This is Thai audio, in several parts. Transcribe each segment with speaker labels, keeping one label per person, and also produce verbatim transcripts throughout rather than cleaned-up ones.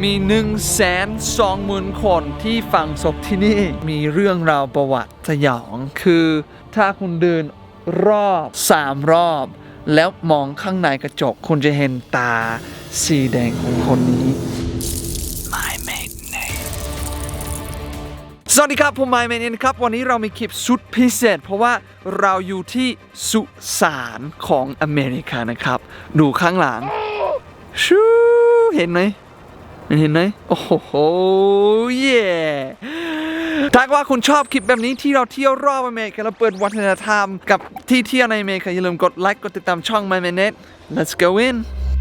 Speaker 1: มีหนึ่งแสนสองหมื่นคนที่ฝังศพที่นี่มีเรื่องราวประวัติสยองคือถ้าคุณเดินรอบสามรอบแล้วมองข้างในกระจกคุณจะเห็นตาสีแดงของคนนี้ My maiden name สวัสดีครับผมไมค์เมนครับวันนี้เรามีคลิปสุดพิเศษเพราะว่าเราอยู่ที่สุสานของอเมริกานะครับดูข้างหลังชูเห็นไหมเห็นไหมโอ้โหเย่ถ้าว่าคุณชอบคลิปแบบนี้ที่เราเที่ยวรอบอเมริกาเราเปิดวัฒนธรรมกับที่เที่ยวในอเมริกาอย่าลืมกดไลค์กดติดตามช่อง My Minute Let's go in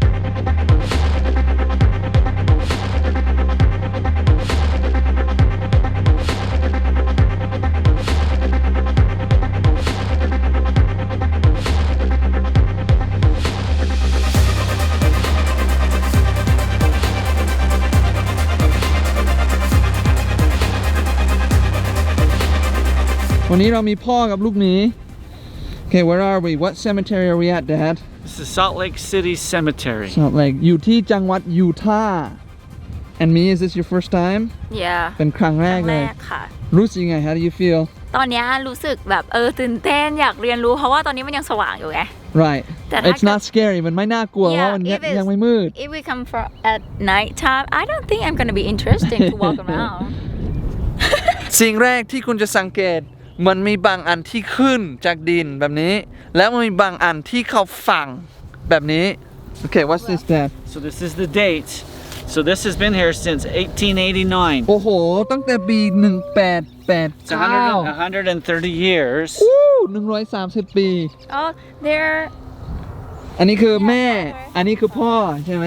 Speaker 1: วันนี้เรามีพ่อกับลูกหมี Okay, where are we? What cemetery are we at, Dad?
Speaker 2: This is Salt Lake City Cemetery.
Speaker 1: Salt Lake อยู่ที่จังหวัดยูทาห์ And me, is this your first time?
Speaker 3: Yeah
Speaker 1: เป็นครั้งแรกเลย
Speaker 3: ค่ะ
Speaker 1: รู้สึกยังไง How do you feel?
Speaker 3: ตอนนี้รู้สึกแบบเออตื่นเต้นอยากเรียนรู้เพราะว่าตอนนี้มันยังสว่างอยู่ไง
Speaker 1: Right.
Speaker 3: แต่ถ้า
Speaker 1: It's not scary มันไม่น่ากลัวเพราะมันยังไม่มืด
Speaker 3: If we come for at night time I don't think I'm gonna be interesting to walk around
Speaker 1: สิ่งแรกที่คุณจะสังเกตมันมีบางอันที่ขึ้นจากดินแบบนี้แล้วมันมีบางอันที่เขาฝังแบบนี้ Okay, what's this, Dad?
Speaker 2: So this is the date. So this has been here since eighteen eighty-nine.
Speaker 1: โอ้โหตั้งแต่ปีหนึ่งแปดแปด
Speaker 2: It's
Speaker 1: เก้า
Speaker 2: one hundred thirty years.
Speaker 1: อู้หนึ่งร้อยสามสิบปี
Speaker 3: Oh there
Speaker 1: อันนี้คือแม่อันนี้คือพ่อใช่ไหม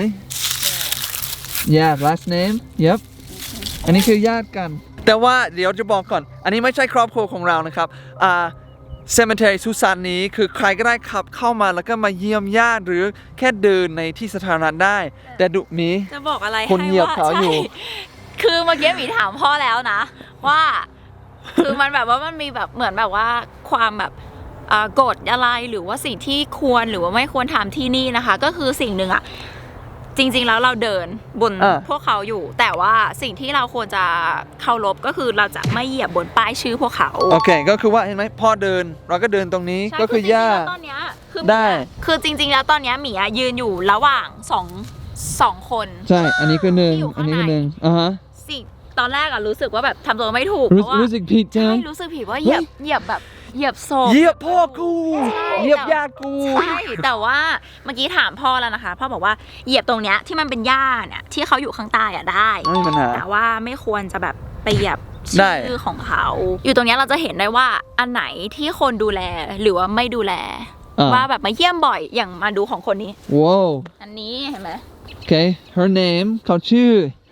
Speaker 1: Yeah last name Yep อันนี้คือญาติกันแต่ว่าเดี๋ยวจะบอกก่อนอันนี้ไม่ใช่ครอบครัวของเรานะครับอ่า cemetery สุสานนี้คือใครก็ได้ขับเข้ามาแล้วก็มาเยี่ยมญาติหรือแค่เดินในที่สาธารณะได้แต่ดุมี
Speaker 3: จะบอกอะไร
Speaker 1: คนเหยียบเขาอยู่
Speaker 3: ใช่คือเมื่อกี้หมีถามพ่อแล้วนะว่าคือมันแบบว่ามันมีแบบเหมือนแบบว่าความแบบกฎอะไรหรือว่าสิ่งที่ควรหรือว่าไม่ควรทำที่นี่นะคะก็คือสิ่งหนึ่งอะจริงๆแล้วเราเดินบนพวกเขาอยู่แต่ว่าสิ่งที่เราควรจะเคารพก็คือเราจะไม่เหยียบบนป้ายชื่อพวกเขา
Speaker 1: โอเคก็คือว่าเห็นไหมพ่อเดินเราก็เดินตรงนี้ก็คือย่า
Speaker 3: ตอนนี้คือ
Speaker 1: ได้
Speaker 3: คือจริงๆแล้วตอนนี้หมียืนอยู่ระหว่างสองสองคน
Speaker 1: ใช่อันนี้คือหนึ่งอันนี้คือหนึ่งอ่าฮะ
Speaker 3: สิ่งตอนแรกอะรู้สึกว่าแบบทำตัวไม่ถูกเพราะว่า
Speaker 1: รู้สึกผิดใช่ไหม
Speaker 3: รู้สึกผิดว่าเหยียบเหยียบแบบเหยียบศพ
Speaker 1: เหยียบพ่อกูเหยียบญาติกู
Speaker 3: ใช่แต่ว่าเมื่อกี้ถามพ่อแล้วนะคะพ่อบอกว่าเหยียบตรงเนี้ยที่มันเป็นหญ้าเนี่ยที่เขาอยู่ข้างใต้อะได้แต่ว่าไม่ควรจะแบบไปเหยียบชื่อของเขาอยู่ตรงนี้เราจะเห็นได้ว่าอันไหนที่คนดูแลหรือว่าไม่ดูแลว่าแบบมาเยี่ยมบ่อยอย่างมาดูของคนนี้
Speaker 1: ว้าว
Speaker 3: อันนี้เห็นไหม
Speaker 1: Okay her name เขาชื่อ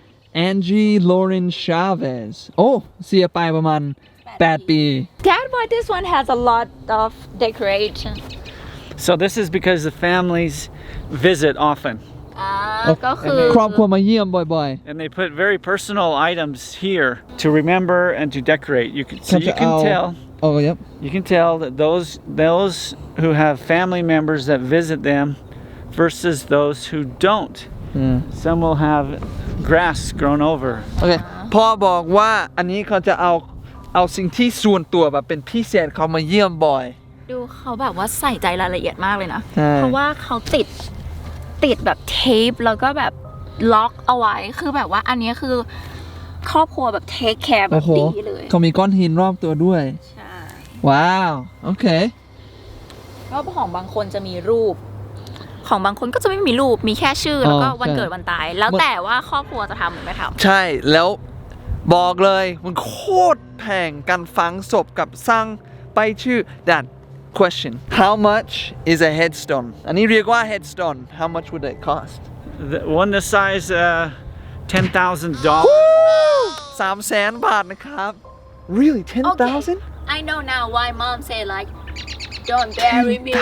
Speaker 1: Angie Lauren Chavez โอ้เสียไปประมาณแปดปี
Speaker 3: Dad, why this one has a lot of decoration?
Speaker 2: So this is because the families visit often.
Speaker 3: อ่าก็คือ
Speaker 1: ครอบครัวมาเยี่ยมบ่อยๆ
Speaker 2: And they put very personal items here to remember and to decorate. You can so you can tell.
Speaker 1: Oh, yep.
Speaker 2: You can tell that those those who have family members that visit them versus those who don't.
Speaker 1: Yeah.
Speaker 2: Some will have grass grown over.
Speaker 1: Okay. พ่อบอกว่าอันนี้เขาจะเอาเอาสิ่งที่ส่วนตัวแบบเป็นพิเศษเขามาเยี่ยมบ่อย
Speaker 3: ดูเขาแบบว่าใส่ใจรายละเอียดมากเลยนะเพราะว่าเขาติดติดแบบเทปแล้วก็แบบล็อกเอาไว้คือแบบว่าอันนี้คือครอบครัวแบบเทคแคร์แบบดีเลย
Speaker 1: เขามีก้อนหินรอบตัวด้วย
Speaker 3: ใช่
Speaker 1: ว้าวโอเค
Speaker 3: ก็ของบางคนจะมีรูปของบางคนก็จะไม่มีรูปมีแค่ชื่อแล้วก็วันเกิดวันตายแล้วแต่ว่าครอบครัวจะทำหรือไม่ทำ
Speaker 1: ใช่แล้วบอกเลยมันโคตรแพงการฝังศพกับสร้างไปชื่อ Dad question how much is a headstone อันนี้เรียกว่า headstone how much would it cost
Speaker 2: the one the size uh, ten thousand dollars
Speaker 1: สามแสนบาทนะครับ really ten thousand
Speaker 3: I know now why mom say like don't bury me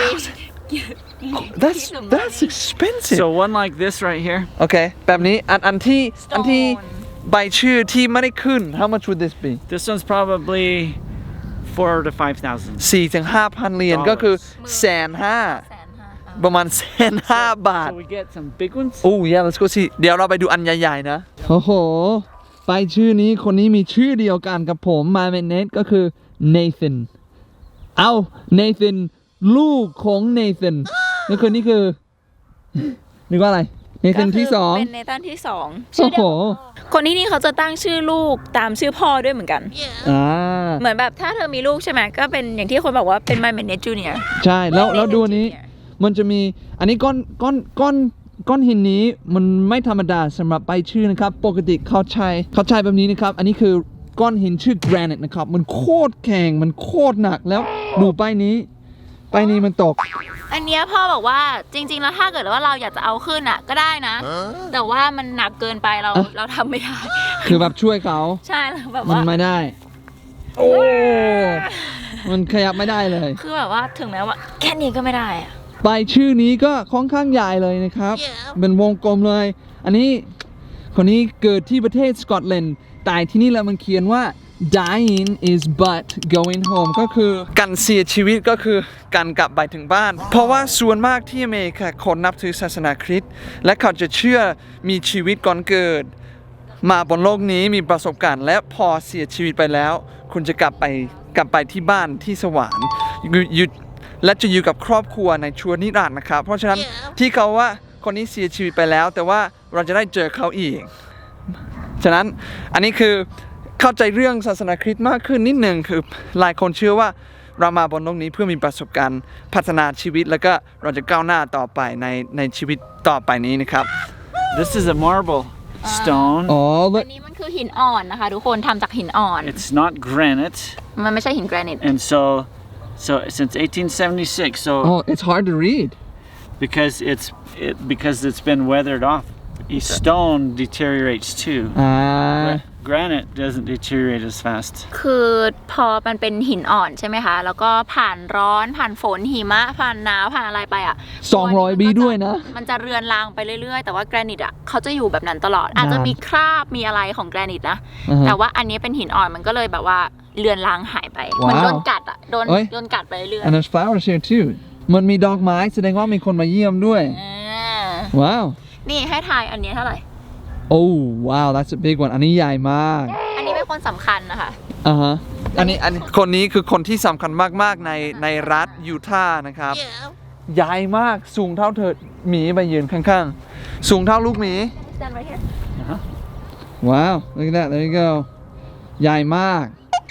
Speaker 1: that's that's expensive
Speaker 2: so one like this right here
Speaker 1: โอเคแบบนี้อันอันที่อันที่ใบชื่อที่ไม่ได้ขึ้น how much would this be
Speaker 2: this one's probably four to five thousand
Speaker 1: สี่ถึงห้าพันเหรียญก็คือแสนห้าประมาณแสนห้าบาท
Speaker 2: So we get some big ones.
Speaker 1: โอ้ย let's go see เดี๋ยวเราไปดูอันใหญ่ๆนะ โอ้โห ไปชื่อนี้คนนี้มีชื่อเดียวกันกับผม My Man Nate ก็คือ Nathan เอา Nathan ลูกของ Nathan ก็คือนี่คือนึกว่าอะไร Nathan ที่สอง
Speaker 3: เป็นเนตันที่สอง
Speaker 1: โอ้โห
Speaker 3: คนที่นี่เขาจะตั้งชื่อลูกตามชื่อพ่อด้วยเหมือนกัน
Speaker 1: อ่า
Speaker 3: เหมือนแบบถ้าเธอมีลูกใช่ไหมก็เป็นอย่างที่คนบอกว่าเป็น My Man Nate Junior
Speaker 1: ใช่แล้วแล้วดูอันนี้ มันจะมีอันนี้ก้อนก้อนก้อนก้อนหินนี้มันไม่ธรรมดาสำหรับใบชื่อนะครับ ปกติเขาใช้เขาใช้แบบนี้นะครับ อันนี้คือก้อนหินชื่อ granite นะครับ มันโคตรแข็งมันโคตรหนักแล้วดูใบนี้ใบนี้มันตก
Speaker 3: อันเนี้ยพ่อบอกว่าจริงๆแล้วถ้าเกิดว่าเราอยากจะเอาขึ้นอ่ะก็ได้นะ แต่ว่ามันหนักเกินไปเรา
Speaker 1: อ่ะ
Speaker 3: เราทำไม่ได้
Speaker 1: คือแบบช่วยเขา
Speaker 3: ใช่แล้วแบบ
Speaker 1: มัน
Speaker 3: ว่า
Speaker 1: ไม่ได้ โอ้มันขยับไม่ได้เลย
Speaker 3: คือแบบว่าถึงแม้ว่าแค่นี้ก็ไม่ได้อะ
Speaker 1: ใบชื่อนี้ก็ค่อนข้างใหญ่เลยนะครับ เป็นวงกลมเลย อันนี้คนนี้เกิดที่ประเทศสกอตแลนด์แต่ที่นี่แล้วมันเขียนว่า dying is but going home ก็คือการเสียชีวิตก็คือการกลับไปถึงบ้าน เพราะว่าส่วนมากที่อเมริกาคนนับถือศาสนาคริสต์และเขาจะเชื่อมีชีวิตก่อนเกิด มาบนโลกนี้มีประสบการณ์และพอเสียชีวิตไปแล้ว คุณจะกลับไปกลับไปที่บ้านที่สวรรค์อยู่อยู่และจะอยู่กับครอบครัวในชั่วนิรันดร์นะครับ เพราะฉะนั้นที่เขาว่าคนนี้เสียชีวิตไปแล้ว แต่ว่าเราจะได้เจอเขาอีก ฉะนั้นอันนี้คือเข้าใจเรื่องศาสนาคริสต์มากขึ้นนิดหนึ่งคือหลายคนเชื่อว่าเรามาบนโลกนี้เพื่อมีประสบการณ์พัฒนาชีวิตแล้วก็เราจะก้าวหน้าต่อไปในในชีวิตต่อไปนี้นะครับ
Speaker 2: This is a marble stone.
Speaker 1: อ๋อ
Speaker 3: อันนี้มันคือหินอ่อนนะคะทุกคนทำจากหินอ่อน
Speaker 2: It's not granite.
Speaker 3: มันไม่ใช่หินแกรนิต
Speaker 2: And so, so since eighteen seventy-six, so
Speaker 1: oh it's hard to read
Speaker 2: because it's it, because it's been weathered off, stone deteriorates too.
Speaker 1: อ่า
Speaker 2: Granite doesn't deteriorate as fast.
Speaker 3: คือพอมันเป็นหินอ่อนใช่ไหมคะ แล้วก็ผ่านร้อนผ่านฝนหิมะผ่านหนาวผ่านอะไรไปอ่ะ
Speaker 1: สองร้อยปีด้วยนะ
Speaker 3: มันจะเรือนรางไปเรื่อยๆ แต่ว่าแกรนิตอ่ะเขาจะอยู่แบบนั้นตลอด อาจจะมีคราบมีอะไรของแกรนิตนะ
Speaker 1: อือฮะ
Speaker 3: แต่ว่าอันนี้เป็นหินอ่อนมันก็เลยแบบว่าเรือนรางหายไป
Speaker 1: ว้าว
Speaker 3: มันโดนกัดอ่ะโดน
Speaker 1: เอ้ย
Speaker 3: โดนกัดไปเรื่อย
Speaker 1: and there's flowers here too มันมีดอกไม้แสดงว่ามีคนมาเยี่ยมด้วย
Speaker 3: ๆอ่า
Speaker 1: ว้าว
Speaker 3: นี่ให้ทายอันนี้เท่าไหร่
Speaker 1: oh wow that's a big one อันนี้ใหญ่มาก
Speaker 3: อันนี้เป็นคนสำคัญนะคะ
Speaker 1: อ่าฮะ อันนี้อันนี้คนนี้คือคนที่สำคัญมากๆในในรัฐยูทาห์นะครับ ใหญ่มากสูงเท่าเธอหมีไปยืนข้างๆ สูงเท่าลูกหมี
Speaker 3: Stand right here.
Speaker 1: wow look at that there you go ใหญ่มาก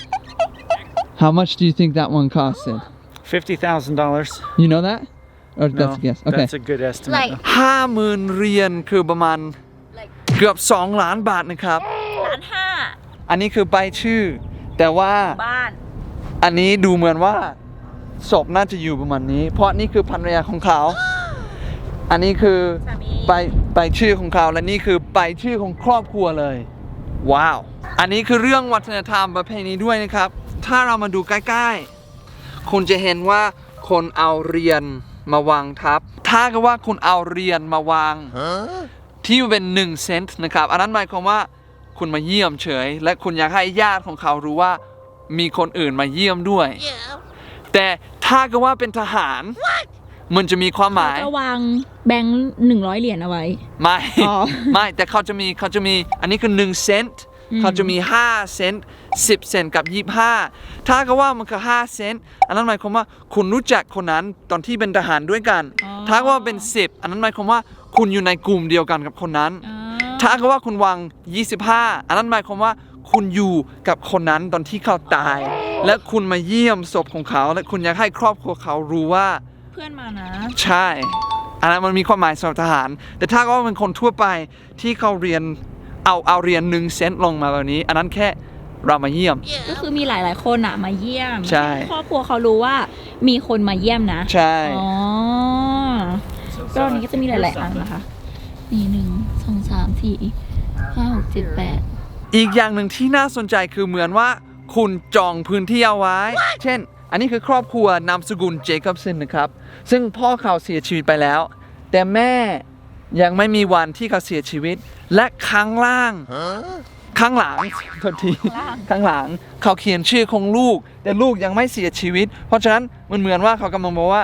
Speaker 1: how much do you think that one costed
Speaker 2: Fifty thousand dollars.
Speaker 1: you know that or that's a guess okay
Speaker 2: That's a good estimate.
Speaker 3: Like
Speaker 1: ห้าหมื่นเหรียญคือประมาณ
Speaker 3: like
Speaker 1: เกือบสองล้านบาทนะครับ
Speaker 3: ล้านห้า
Speaker 1: อันนี้คือใบชื่อ แต่ว่า
Speaker 3: บ้าน
Speaker 1: อันนี้ดูเหมือนว่าศพน่าจะอยู่ประมาณนี้ เพราะนี่คือภรรยาของเขา อันนี้คือ
Speaker 3: สามี
Speaker 1: ใบใบชื่อของเขาและนี่คือใบชื่อของครอบครัวเลย ว้าว อันนี้คือเรื่องวัฒนธรรมประเพณีด้วยนะครับ ถ้าเรามาดูใกล้ๆ คุณจะเห็นว่าคนเอาเรียนมาวางทับ ถ้าก็ว่าคุณเอาเรียนมาวาง ที่เป็นหนึ่งเซนต์นะครับ อันนั้นหมายความว่าคุณมาเยี่ยมเฉย และคุณอยากให้ญาติของเขารู้ว่ามีคนอื่นมาเยี่ยมด้วย แต่ถ้าก็ว่าเป็นทหาร มันจะมีความหมาย
Speaker 3: จะวางแบงค์หนึ่งร้อยเหรียญเอาไว้
Speaker 1: ไม่
Speaker 3: อ๋อ
Speaker 1: ไม่แต่เขาจะมีเขาจะมีอันนี้คือหนึ่งเซนต์เขาจะมีห้าเซนต์สิบเซนต์กับยี่สิบห้าถ้าก็ว่ามันคือห้าเซนต์อันนั้นหมายความว่าคุณรู้จักคนนั้นตอนที่เป็นทหารด้วยกัน ถ้าก็ว่าเป็นสิบอันนั้นหมายความว่าคุณอยู่ในกลุ่มเดียวกันกับคนนั้น ถ้าก็ว่าคุณวางยี่สิบห้าอันนั้นหมายความว่าคุณอยู่กับคนนั้นตอนที่เขาตาย และคุณมาเยี่ยมศพของเขา และคุณอยากให้ครอบครัวเขารู้ว่า
Speaker 3: เพื่อนมานะ
Speaker 1: ใช่ อันนั้นมันมีความหมายสำหรับทหาร แต่ถ้าก็เป็นคนทั่วไปที่เขาเรียนเอาเอาเรียนหนึ่งเซนต์ลงมาแบบนี้ อันนั้นแค่เรามาเยี่ยม
Speaker 3: ก็คือมีหลาย ๆ คนอ่ะมาเยี่ยม
Speaker 1: ใช่
Speaker 3: ห้ครอบครัวเขารู้ว่ามีคนมาเยี่ยมนะ
Speaker 1: ใช่
Speaker 3: อ๋อก็อันนี้ก็จะมีหลาย ๆ อันนะคะนี่หนึ่งสองสามสี่ห้าหกเจ็ดแปด
Speaker 1: อีกอย่างหนึ่งที่น่าสนใจคือเหมือนว่าคุณจองพื้นที่เอาไว้ เช่น อันนี้คือครอบครัวนามสกุลเจคอบสันนะครับ ซึ่งพ่อเขาเสียชีวิตไปแล้ว แต่แม่ยังไม่มีวันที่เขาเสียชีวิต และข้างล่าง ข้างหลังโทษทีข้างหลังเขาเขียนชื่อของลูก แต่ลูกยังไม่เสียชีวิต เพราะฉะนั้นมันเหมือนว่าเขากำลังบอกว่า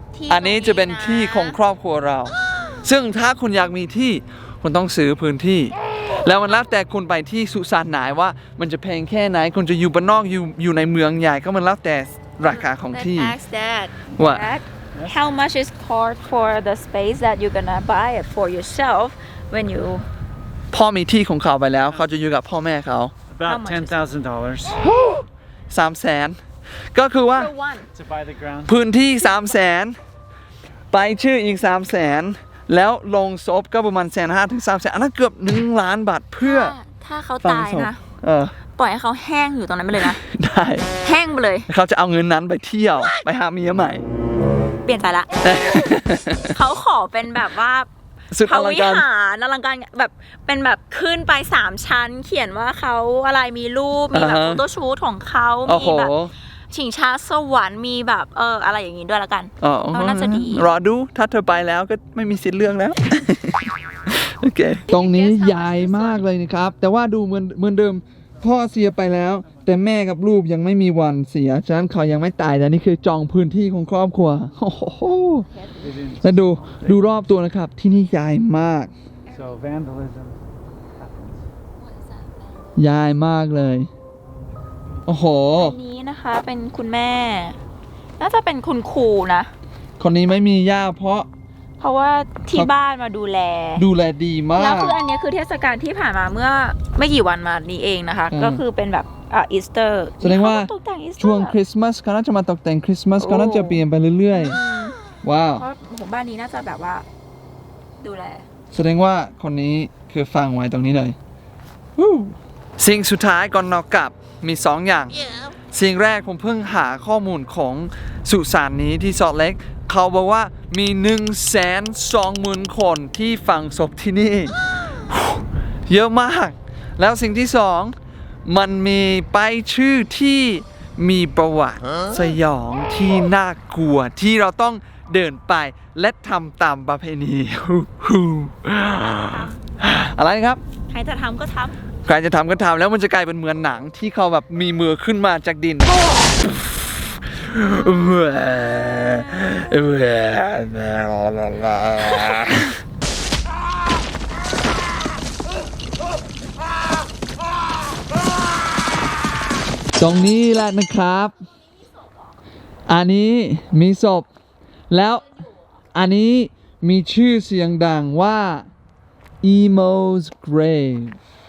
Speaker 3: ที่
Speaker 1: อันนี้จะเป็นที่ของค
Speaker 3: รอบ
Speaker 1: รอบครัวเรา ซึ่งถ้าคุณอยากมีที่คุณต้องซื้อพื้นที่ แล้วมันแล้วแต่คุณไปที่สุสานไหนว่ามันจะแพงแค่ไหนคุณจะอยู่บ้านนอกอยู่อยู่ในเมืองใหญ่ก็มันแล้วแต่ราคาของที่
Speaker 3: Ask Dad
Speaker 1: What?
Speaker 3: Dad how much is cost for the space that you're gonna buy it for yourself when you
Speaker 1: พ่อมีที่ของเขาไปแล้วเขาจะอยู่กับพ่อแม่เขา
Speaker 3: How
Speaker 2: About
Speaker 3: much
Speaker 2: ten thousand dollars
Speaker 1: สามแสนก็คือว่า
Speaker 3: for one
Speaker 2: to buy the ground.
Speaker 1: พื้นที่สามแสนไปชื่ออีกสามแสนแล้วลงศพก็ประมาณแสนห้าถึงสามแสนอันนั้นเกือบหนึ่งล้านบาทเพื่อ
Speaker 3: ถ้าถ้าเขา
Speaker 1: ฝัง
Speaker 3: ตาย
Speaker 1: ศพ
Speaker 3: นะ
Speaker 1: เออ
Speaker 3: ปล่อยให้เขาแห้งอยู่ตรงนั้นไปเลยนะ
Speaker 1: ได้
Speaker 3: แห้งไปเลย
Speaker 1: เขาจะเอาเงินนั้นไปเที่ยวไปหาเมียใหม่
Speaker 3: เปลี่ยนใจละ เขาขอเป็นแบบว่า
Speaker 1: สุด
Speaker 3: พ
Speaker 1: อ
Speaker 3: ระ
Speaker 1: ลัง
Speaker 3: วิ
Speaker 1: การ
Speaker 3: หารอลังการแบบเป็นแบบขึ้นไปสามชั้น เขียนว่าเขาอะไรมีรูปมีแบบ
Speaker 1: อ่าฮะ
Speaker 3: โฟโต้ชูตของเขา
Speaker 1: โอ้
Speaker 3: มี
Speaker 1: โห
Speaker 3: แบบชิงช้าสวรรค์มีแบบเอออะไรอย่างงี้ด้วยละกัน
Speaker 1: อ๋อ
Speaker 3: ก็น่าจะดี
Speaker 1: รอดูถ้าเธอไปแล้วก็ไม่มีสิทธิ์เลือกแล้ว โอเค ตรงนี้ใหญ่มากเลยนะครับ แต่ว่าดูเหมือนเหมือนเดิม พ่อเสียไปแล้ว แต่แม่กับลูกยังไม่มีวันเสีย ฉะนั้นเขายังไม่ตายแต่นี่คือจองพื้นที่ของครอบครัว โอ้โห แล้วดูดูรอบตัวนะครับ ที่นี่ใหญ่มาก
Speaker 2: So vandalism.
Speaker 1: ใหญ่มากเลย โอ้โห
Speaker 3: อันนี้นะคะเป็นคุณแม่ น่าจะเป็นคุณครูนะ
Speaker 1: คนนี้ไม่มีย่าเพราะ
Speaker 3: เพราะว่าที่บ้านมาดูแล
Speaker 1: ดูแลดีมา
Speaker 3: แล้ว
Speaker 1: ก
Speaker 3: คืออันเนี้ยคือเทศกาลที่ผ่านมาเมื่อไม่กี่วันมานี้เองนะคะ
Speaker 1: อืม
Speaker 3: ก็คือเป็นแบบอ่าอีสเตอร์
Speaker 1: แสดงว่า
Speaker 3: ตกแต่งอีสเตอร์
Speaker 1: ช่วงคริสต์มาสเขาน่าจะมาตกแต่งคริสต์มาสเขาน่าจะเปลี่ยนไปเรื่อยๆ ว้าว
Speaker 3: เพราะผมบ้านนี้น่าจะแบบว่า ดูแล
Speaker 1: แสดงว่าคนนี้คือฟังไว้ตรงนี้เลยวู้สิ่งสุดท้ายก่อนนอกกลับมีสองอย่าง สิ่งแรกผมเพิ่งหาข้อมูลของสุสานนี้ที่ซอลต์เลคเขาบอกว่ามีหนึ่งแสนสองหมื่นคนที่ฝังศพที่นี่ เยอะมาก แล้วสิ่งที่สองมันมีป้ายชื่อที่มีประวัติสยองที่น่ากลัวที่เราต้องเดินไปและทำตามประเพณี อะไรครับ
Speaker 3: ใครจะทำก็ท
Speaker 1: ใครจะทำก็ทำแล้วมันจะกลายเป็นเหมือนหนังที่เขาแบบมีมือขึ้นมาจากดิน ตรงนี้แหละนะครับ อันนี้มีศพ แล้วอันนี้มีชื่อเสียงดังว่า Emo's Grave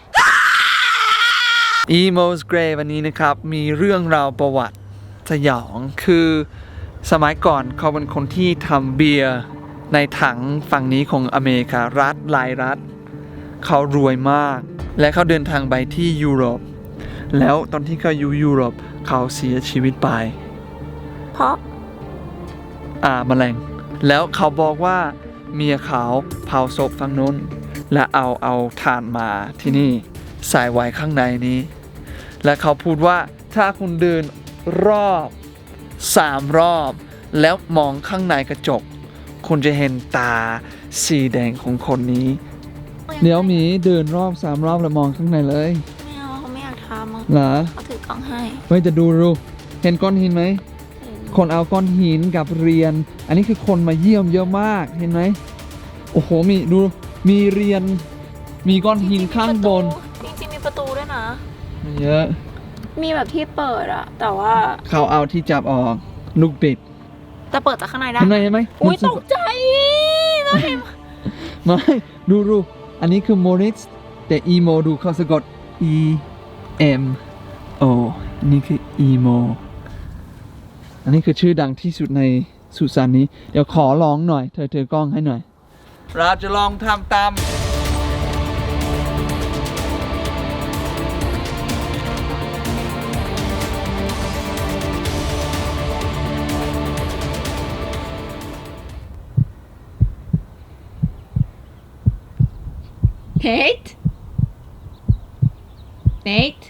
Speaker 1: Emo's Grave อันนี้นะครับ มีเรื่องราวประวัติสยอง คือสมัยก่อนเขาเป็นคนที่ทำเบียร์ในถังฝั่งนี้ของอเมริการัฐหลายรัฐ เขารวยมาก และเขาเดินทางไปที่ยุโรป แล้วตอนที่เขาอยู่ยุโรปเขาเสียชีวิตไป
Speaker 3: ำเพราะ
Speaker 1: อ่าแมลง แล้วเขาบอกว่าเมียเขาเผาศพฝั่งนู้น และเอาเอาถ่านมาที่นี่ใส่ไว้ข้างในนี้ และเขาพูดว่าถ้าคุณเดินรอบสามรอบ แล้วมองข้างในกระจก คุณจะเห็นตาสีแดงของคนนี้ เดี๋ยวหมีเดินรอบสามรอบแล้วมองข้างในเลย
Speaker 3: ไม่เอาเขาไม่อยากทำอะ
Speaker 1: เหรอ
Speaker 3: เขาถือกล้องให้
Speaker 1: เฮ้ยจะดูดูเห็นก้อนหินไหม คนเอาก้อนหินกับเรียน อันนี้คือคนมาเยี่ยมเยอะมาก เห็นไหม โอ้โห มีดู มีเรียน มีก้อนหินข้างบน
Speaker 3: จริงๆมีประตูด้วยนะ
Speaker 1: เยอะ
Speaker 3: มีแบบที่เปิดอะแต่ว่า
Speaker 1: เขาเอาที่จับออก ลูกบิด
Speaker 3: จะเปิดจากข้างในได้
Speaker 1: เห็นไหมเห็นไหม
Speaker 3: อุ้ย
Speaker 1: มัน
Speaker 3: ตกใจน้องเห็น
Speaker 1: ไม่ ดูดู อันนี้คือโมริสแต่อีโมดูเขาสะกด E M O นี่คืออีโม อันนี้คือชื่อดังที่สุดในสุสานนี้ เดี๋ยวขอลองหน่อย เธอเธอกล้องให้หน่อย เราจะลองทำตาม
Speaker 3: Nate Nate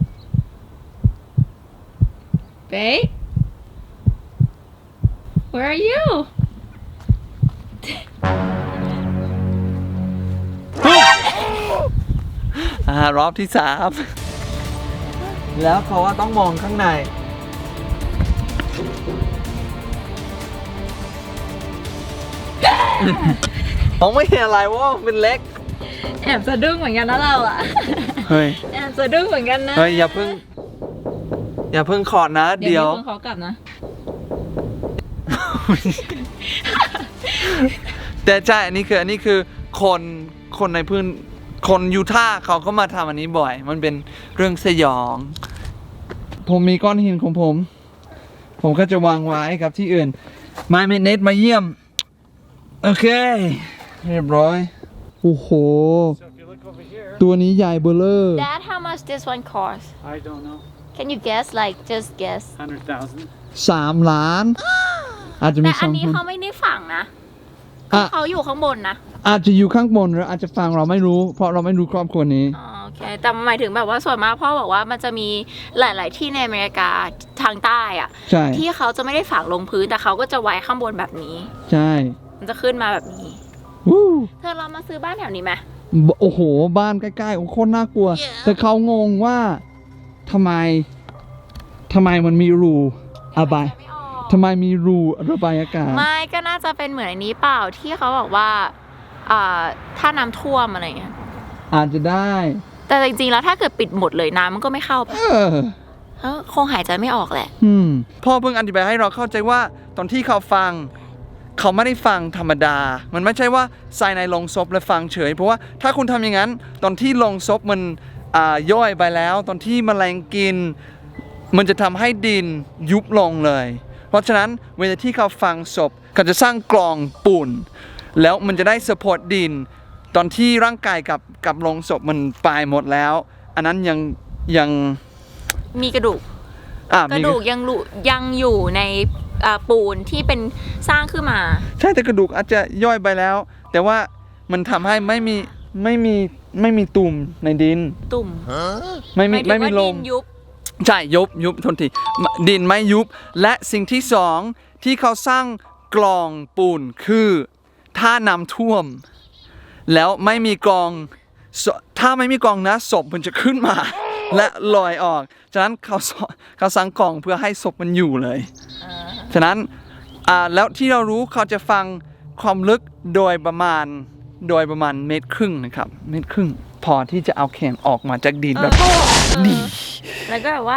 Speaker 3: Babe Where are you
Speaker 1: อ่ารอบที่สาม แล้วเขาว่าต้องมองข้างในมองไม่เห็นอะไรว่ามันเป็นเล็ก
Speaker 3: แอบสะดุ้งเหมือนกันนะเราอะ
Speaker 1: เฮ้ย
Speaker 3: แอบสะดุ้งเหมือนกันนะ
Speaker 1: เฮ้ยอย่าเพิ่ง อย่าเพิ่งขอดนะ
Speaker 3: เดี๋
Speaker 1: เดี๋
Speaker 3: ย
Speaker 1: ยว ว
Speaker 3: มีคนเขากลับนะ
Speaker 1: แต่ใช่อันนี้คืออันนี้คือคนคนในพื้นคนยูทาห์เขาก็มาทำอันนี้บ่อย มันเป็นเรื่องสยอง ผมมีก้อนหินของผม ผมก็จะวางไว้กับที่อื่นมาเมเนตมาเยี่ยม โอเค เรียบร้อย โอ้โห
Speaker 2: So if you look over here,
Speaker 1: ตัวนี้ใหญ่เบลเลอร์
Speaker 3: Dad how much this one cost
Speaker 2: I don't know,
Speaker 3: Can you guess like just guess
Speaker 2: hundred thousand.
Speaker 1: สามล้าน อาจจะมี
Speaker 3: แต่
Speaker 1: ส
Speaker 3: อั
Speaker 1: อน ง
Speaker 3: นี้
Speaker 1: คน
Speaker 3: เขาไม่ได้ฝังนะ
Speaker 1: อ่ะ
Speaker 3: เขาอยู่ข้างบนนะ
Speaker 1: อาจจะอยู่ข้างบนหรืออาจจะฟังเราไม่รู้ เพราะเราไม่รู้ครอบครัวนี้
Speaker 3: อ๋อโอเค แต่หมายถึงแบบว่าส่วนมากพ่อบอกว่ามันจะมีหลาย ๆ ที่ในอเมริกาทางใต้อะ
Speaker 1: ใช่
Speaker 3: ที่เขาจะไม่ได้ฝังลงพื้นแต่เขาก็จะไว้ข้างบนแบบนี้
Speaker 1: ใช่
Speaker 3: มันจะขึ้นมาแบบนี้
Speaker 1: วู้
Speaker 3: เธอเรามาซื้อบ้านแถวนี้ไหม
Speaker 1: โอ้โห บ้านใกล้ๆโอ้โคตรน่ากลัว แต่เขางงว่าทำไมทำไมมันมีรูระบาย
Speaker 3: ไม่ออก
Speaker 1: ทำไมมีรูระบายอากาศ
Speaker 3: ไม่ก็น่าจะเป็นเหมือนอันนี้เปล่าที่เขาบอกว่าอ่าถ้าน้ำท่วมอะไรเงี้ย
Speaker 1: อาจจะได้
Speaker 3: แต่จริง ๆ แล้วถ้าเกิดปิดหมดเลยน้ำมันก็ไม่เข้าปะ
Speaker 1: เออ
Speaker 3: เออคงหายใจไม่ออกแหละ
Speaker 1: อืมพ่อเพิ่งอธิบายให้เราเข้าใจว่าตอนที่เขาฟัง เขาไม่ได้ฟังธรรมดา มันไม่ใช่ว่าใส่ในโลงศพแล้วฟังเฉย เพราะว่าถ้าคุณทำอย่างนั้น ตอนที่โลงศพมันอ่าย่อยไปแล้ว ตอนที่แมลงกิน มันจะทำให้ดินยุบลงเลย เพราะฉะนั้นเวลาที่เขาฟังศพเขาจะสร้างกลองปูนแล้วมันจะได้สปอร์ตดิน ตอนที่ร่างกายกับกับโลงศพมันตายหมดแล้ว อันนั้นยังยัง
Speaker 3: มีกระดูก
Speaker 1: อ่ะ
Speaker 3: กระ
Speaker 1: มี
Speaker 3: ดูกยังอยู่ยังอยู่ในอ่าปูนที่เป็นสร้างขึ้นมา
Speaker 1: ใช่แต่กระดูกอาจจะย่อยไปแล้ว แต่ว่ามันทำให้ไม่มีไม่มีไม่มีตุ่มในดิน
Speaker 3: ตุ่ม
Speaker 1: ไม่มี
Speaker 3: หายถึง
Speaker 1: ไม่มี
Speaker 3: ว่า
Speaker 1: ล
Speaker 3: ดิ
Speaker 1: ม
Speaker 3: นยุบ
Speaker 1: ใช่ยุบยุบทนทีดินไม่ยุบ และสิ่งที่สองที่เขาสร้างกลองปูนคือถ้าน้ำท่วม แล้วไม่มีกลองศถ้าไม่มีกลองนะศพมันจะขึ้นมา และลอยออกฉะนั้นเขาสเขาสร้างกลองเพื่อให้ศพมันอยู่เลยฉะนั้นอ่าแล้วที่เรารู้เขาจะฟังความลึกโดยประมาณโดยประมาณเมตรครึ่งนะครับเมตรครึ่งพอที่จะเอาแขนออกมาจากดินแบบ ดี
Speaker 3: แล้วก็แบบว่า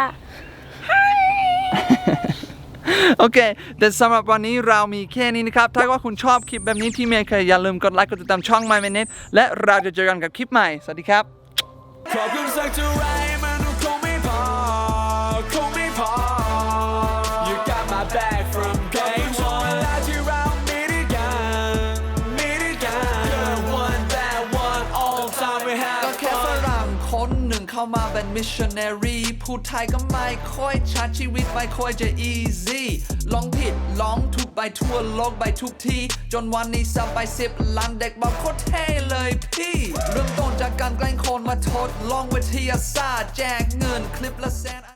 Speaker 1: โอเค แต่สำหรับวันนี้เรามีแค่นี้นะครับ ถ้าว่าคุณชอบคลิปแบบนี้ที่เมย์เคยอย่าลืมกดไลค์กดติดตามช่อง My Minute และเราจะเจอกันกับคลิปใหม่ สวัสดีครับ
Speaker 4: ขอบคุณสักเท่าไรมันคงไม่พอคงไม่พอ You got my back from day one เวลาที่เรามีด้วยกันมีด้วยกัน Good one bad one all the time we have
Speaker 1: ก็แค่ฝรั่งคนหนึ่งเข้ามาเป็นมิชชันนารีพูดไทยก็ไม่ค่อยชัดชีวิตไม่ค่อยจะ easy ลองผิดลองถูกไปทั่วโลกไปทุกที่จนวันนี้สับไปสิบล้านเด็กบอกโคตรเท่เลยพี่ เริ่มต้นจากการแกล้งคนมาทดลองวิทยาศาสตร์แจกเงินคลิปละแสน